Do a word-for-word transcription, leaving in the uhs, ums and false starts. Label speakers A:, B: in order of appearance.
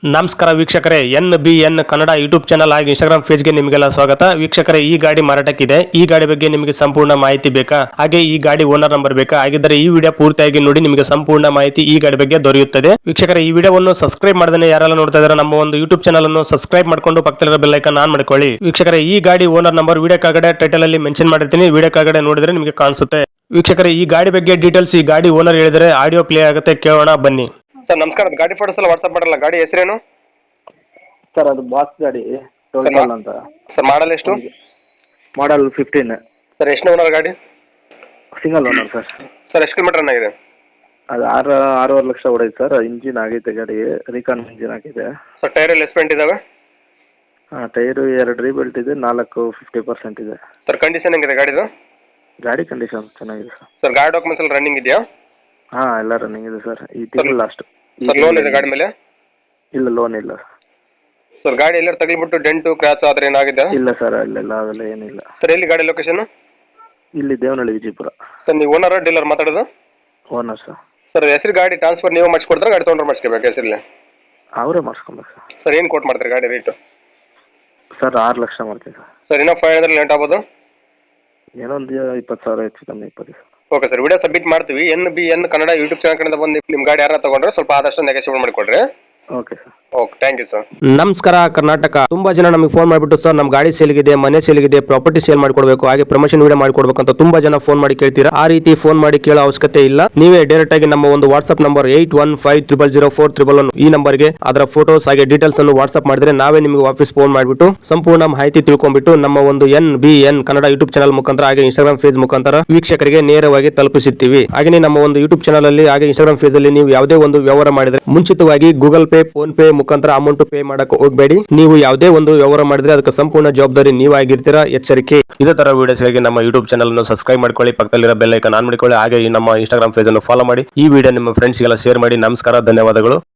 A: ನಮಸ್ಕಾರ ವೀಕ್ಷಕರೇ, N B N Kannada YouTube channel ಹಾಗೂ ಇನ್ಸ್ಟಾಗ್ರಾಮ್ ಪೇಜ್ಗೆ ನಿಮಗೆಲ್ಲ ಸ್ವಾಗತ. ವೀಕ್ಷಕರೇ, ಈ ಗಾಡಿ ಮಾರಾಟಕ್ಕಿದೆ. ಈ ಗಾಡಿ ಬಗ್ಗೆ ನಿಮಗೆ ಸಂಪೂರ್ಣ ಮಾಹಿತಿ ಬೇಕಾ, ಹಾಗೆ ಈ ಗಾಡಿ ಓನರ್ ನಂಬರ್ ಬೇಕಾ? ಹಾಗಿದ್ದರೆ ಈ ವಿಡಿಯೋ ಪೂರ್ತಿಯಾಗಿ ನೋಡಿ, ನಿಮಗೆ ಸಂಪೂರ್ಣ ಮಾಹಿತಿ ಈ ಗಾಡಿ ಬಗ್ಗೆ ದೊರೆಯುತ್ತದೆ. ವೀಕ್ಷಕರೇ, ಈ ವಿಡಿಯೋವನ್ನು ಸಬ್ಸ್ಕ್ರೈಬ್ ಮಾಡದೇ ಯಾರೆಲ್ಲ ನೋಡ್ತಾ ಇದ್ದಾರೆ ನಮ್ಮ ಒಂದು ಯೂಟ್ಯೂಬ್ ಚಾನಲ್ ಅನ್ನು ಸಬ್ಸ್ಕ್ರೈಬ್ ಮಾಡ್ಕೊಂಡು ಪಕ್ಕದಲ್ಲಿರೋ ಬೆಲ್ ಐಕಾನ್ ಆನ್ ಮಾಡ್ಕೊಳ್ಳಿ. ವೀಕ್ಷಕರೇ, ಈ ಗಾಡಿ ಓನರ್ ನಂಬರ್ ವಿಡಿಯೋ ಕೆಳಗಡೆ ಟೈಟಲ್ ಅಲ್ಲಿ ಮೆನ್ಷನ್ ಮಾಡಿರ್ತೀನಿ, ವಿಡಿಯೋ ಕೆಳಗಡೆ ನೋಡಿದ್ರೆ ನಿಮಗೆ ಕಾಣಿಸುತ್ತೆ. ವೀಕ್ಷಕರೇ, ಈ ಗಾಡಿ ಬಗ್ಗೆ ಡೀಟೇಲ್ಸ್ ಈ ಗಾಡಿ ಓನರ್ ಹೇಳಿದರೆ ಆಡಿಯೋ ಪ್ಲೇ ಆಗುತ್ತೆ, ಕೇಳೋಣ ಬನ್ನಿ.
B: ಸರ್ ನಮಸ್ಕಾರ, ಗಾಡಿ ಫೋಟೋಸ್ ಎಲ್ಲ ವಾಟ್ಸಪ್ ಮಾಡಲ್ಲ. ಗಾಡಿ ಹೆಸರೇನು
C: ಸರ್? ಅದು ಬಾಸ್ ಗಾಡಿ ಟೋಟಲ್ ಅಂತ.
B: ಸರ್ ಮಾಡಲ್ ಎಷ್ಟು?
C: Model fifteen.
B: ಸರ್ ಎಷ್ಟು ಓನರ್ ಗಾಡಿ?
C: Single owner sir.
B: ಸರ್ ಎಷ್ಟು ಕಿಲೋಮೀಟರ್ ರನ್ ಆಗಿದೆ?
C: ಅದು ಆರು ಆರೂವರೆ ಲಕ್ಷ ಹೊಡೈತೆ ಸರ್. ಇಂಜಿನ್ ಆಗೈತೆ ಗಾಡಿ, ರೀಕಾನ್ ಇಂಜಿನ್ ಆಗಿದೆ.
B: ಸರ್ ಟೈರ್ ಎಲ್ಲ ಎಸ್ಪೆಂಟ್ ಇದಾವೆ?
C: ಹಾಂ, ಟೈರು ಎರಡು ರೀಬೆಲ್ಟ್ ಇದೆ, ನಾಲ್ಕು ಫಿಫ್ಟಿ ಪರ್ಸೆಂಟ್ ಇದೆ.
B: ಸರ್ ಕಂಡೀಷನ್ ಹೆಂಗಿದೆ ಗಾಡಿದು?
C: ಗಾಡಿ ಕಂಡೀಷನ್ ಚೆನ್ನಾಗಿದೆ ಸರ್.
B: ಸರ್ ಗಾಡಿ ಡಾಕ್ಯುಮೆಂಟ್ಸ್ ಎಲ್ಲ ರನ್ನಿಂಗ್ ಇದೆಯಾ?
C: ಹಾಂ, ಎಲ್ಲ ರನ್ನಿಂಗ್ ಇದೆ ಸರ್. ಈ ತಿಂಗಳು ಲಾಸ್ಟ್.
B: ಸರ್ ಲೋನ್ ಇದೆ ಗಾಡಿ ಮೇಲೆ?
C: ಇಲ್ಲ, ಲೋನ್ ಇಲ್ಲ.
B: ಸರ್ ಗಾಡಿ ಎಲ್ಲರೂ ತಗಲಿಬಿಟ್ಟು ಡೆಂಟು ಕ್ರಾಚ್ ಆ ಥರ ಏನಾಗಿದೆ?
C: ಇಲ್ಲ ಸರ್, ಅಲ್ಲೆಲ್ಲ ಅವೆಲ್ಲ ಏನಿಲ್ಲ.
B: ಸರ್ ಎಲ್ಲಿ ಗಾಡಿ ಲೊಕೇಶನ್?
C: ಇಲ್ಲಿ ದೇವನಹಳ್ಳಿ, ವಿಜಯಪುರ.
B: ಸರ್ ನೀವು ಓನರ್ ಡೀಲರ್ ಮಾತಾಡೋದು?
C: Owner sir.
B: ಸರ್ ಹೆಸರು ಗಾಡಿ ಟ್ರಾನ್ಸ್ಫರ್ ನೀವು ಮಾಡಿಸ್ಕೊಡ್ತಾರೆ, ಗಾಡಿ ತೊಗೊಂಡ್ರೆ ಮಾಡಿಸ್ಕೋಬೇಕು ಹೆಸರಲ್ಲಿ?
C: ಅವರೇ ಮಾಡಿಸ್ಕೊಬೇಕು ಸರ್.
B: ಸರ್ ಏನು ಕೋಟ್ ಮಾಡ್ತಾರೆ ಗಾಡಿ ರೇಟು?
C: ಸರ್ ಆರು ಲಕ್ಷ ಮಾಡ್ತೀವಿ ಸರ್.
B: ಸರ್ ಇನ್ನೂ ಫೈವ್ ಹಂಡ್ರೆಡ್ ಲೇಟ್ ಆಗ್ಬೋದು?
C: ಏನೋ ಒಂದು ಇಪ್ಪತ್ತು ಸಾವಿರ ಹೆಚ್ಚು ಕಮ್ಮಿ ಇಪ್ಪತ್ತು.
B: ಓಕೆ ಸರ್, ವಿಡಿಯೋ ಸಬ್ಮಿಟ್ ಮಾಡ್ತೀವಿ. N B N Kannada YouTube channel ಕಡೆಯಿಂದ ಬಂದು ನಿಮ್ಮ ಗಾಡಿ ಯಾರು ತಗೊಂಡ್ರೆ ಸ್ವಲ್ಪ ಆದಷ್ಟು ನೆಗೋಷಿಯೇಟ್ ಮಾಡಿಕೊಡ್ರಿ.
C: Okay sir.
B: Okay, thank you sir.
A: ನಮಸ್ಕಾರ ಕರ್ನಾಟಕ. ತುಂಬಾ ಜನ ನಮಗೆ ಫೋನ್ ಮಾಡಿಬಿಟ್ಟು ಸರ್ ನಮ್ಮ ಗಾಡಿ ಸೇಲ್ಗಿದೆ, ಮನೆ ಸೇಲ್ಗಿದೆ, ಪ್ರಾಪರ್ಟಿ ಸೇಲ್ ಮಾಡ್ಕೊಡ್ಬೇಕು, ಹಾಗೆ ಪ್ರಮೋಷನ್ ವಿಡಿಯೋ ಮಾಡ್ಕೊಡ್ಬೇಕು ಅಂತ ತುಂಬಾ ಜನ ಫೋನ್ ಮಾಡಿ ಕೇಳ್ತೀರಾ. ಆ ರೀತಿ ಫೋನ್ ಮಾಡಿ ಕೇಳೋ ಅವಶ್ಯಕತೆ ಇಲ್ಲ. ನೀವೇ ಡೈರೆಕ್ಟ್ ಆಗಿ ನಮ್ಮ ಒಂದು WhatsApp number eight one five triple zero four triple one ಈ ನಂಬರ್ಗೆ ಅದರ ಫೋಟೋಸ್ ಹಾಗೆ ಡೀಟೇಲ್ಸ್ ಅನ್ನು ವಾಟ್ಸ್ಆಪ್ ಮಾಡಿದ್ರೆ ನಾವೇ ನಿಮಗೆ ವಾಪಸ್ ಫೋನ್ ಮಾಡಿಬಿಟ್ಟು ಸಂಪೂರ್ಣ ಮಾಹಿತಿ ತಿಳ್ಕೊಂಡ್ಬಿಟ್ಟು ನಮ್ಮ ಒಂದು N B N Kannada YouTube channel ಮುಖಾಂತರ ಹಾಗೆ ಇನ್ಸ್ಟಾಗ್ರಾಮ್ ಪೇಜ್ ಮುಖಾಂತರ ವೀಕ್ಷಕರಿಗೆ ನೇರವಾಗಿ ತಲುಪಿಸುತ್ತೀವಿ. ಹಾಗೆ ನಮ್ಮ ಒಂದು ಯೂಟ್ಯೂಬ್ ಚಾನಲ್ ಅಲ್ಲಿ ಹಾಗೆ ಇನ್ಸ್ಟಾಗ್ರಾಮ್ ಪೇಜ್ ಅಲ್ಲಿ ನೀವು ಯಾವುದೇ ಒಂದು ವ್ಯವಹಾರ ಮಾಡಿದ್ರೆ ಮುಂಚಿತವಾಗಿ ಗೂಗಲ್ ಪೇ, ಫೋನ್ ಪೇ ಮುಖಾಂತರ ಅಮೌಂಟ್ ಪೇ ಮಾಡಕ್ಕೆ ಹೋಗಬೇಡಿ. ನೀವು ಯಾವುದೇ ಒಂದು ವ್ಯವಹಾರ ಮಾಡಿದ್ರೆ ಅದಕ್ಕೆ ಸಂಪೂರ್ಣ ಜವಾಬ್ದಾರಿ ನೀವಾಗಿರ್ತೀರಾ, ಎಚ್ಚರಿಕೆ. ಇದೇ ತರ ವಿಡಿಯೋಸ್ಗಾಗಿ ನಮ್ಮ ಯೂಟ್ಯೂಬ್ ಚಾನಲ್ ಅನ್ನು ಸಬ್ಸ್ಕ್ರೈಬ್ ಮಾಡ್ಕೊಳ್ಳಿ, ಪಕ್ಕದಲ್ಲಿರೋ ಬೆಲ್ ಐಕಾನ್ ಆನ್ ಮಾಡಿಕೊಳ್ಳಿ, ಹಾಗೆ ನಮ್ಮ ಇನ್ಸ್ಟಾಗ್ರಾಮ್ ಪೇಜ್ ಅನ್ನು ಫಾಲೋ ಮಾಡಿ. ಈ ವಿಡಿಯೋ ನಿಮ್ಮ ಫ್ರೆಂಡ್ಸ್ಗೆಲ್ಲ ಶೇರ್ ಮಾಡಿ. ನಮಸ್ಕಾರ, ಧನ್ಯವಾದಗಳು.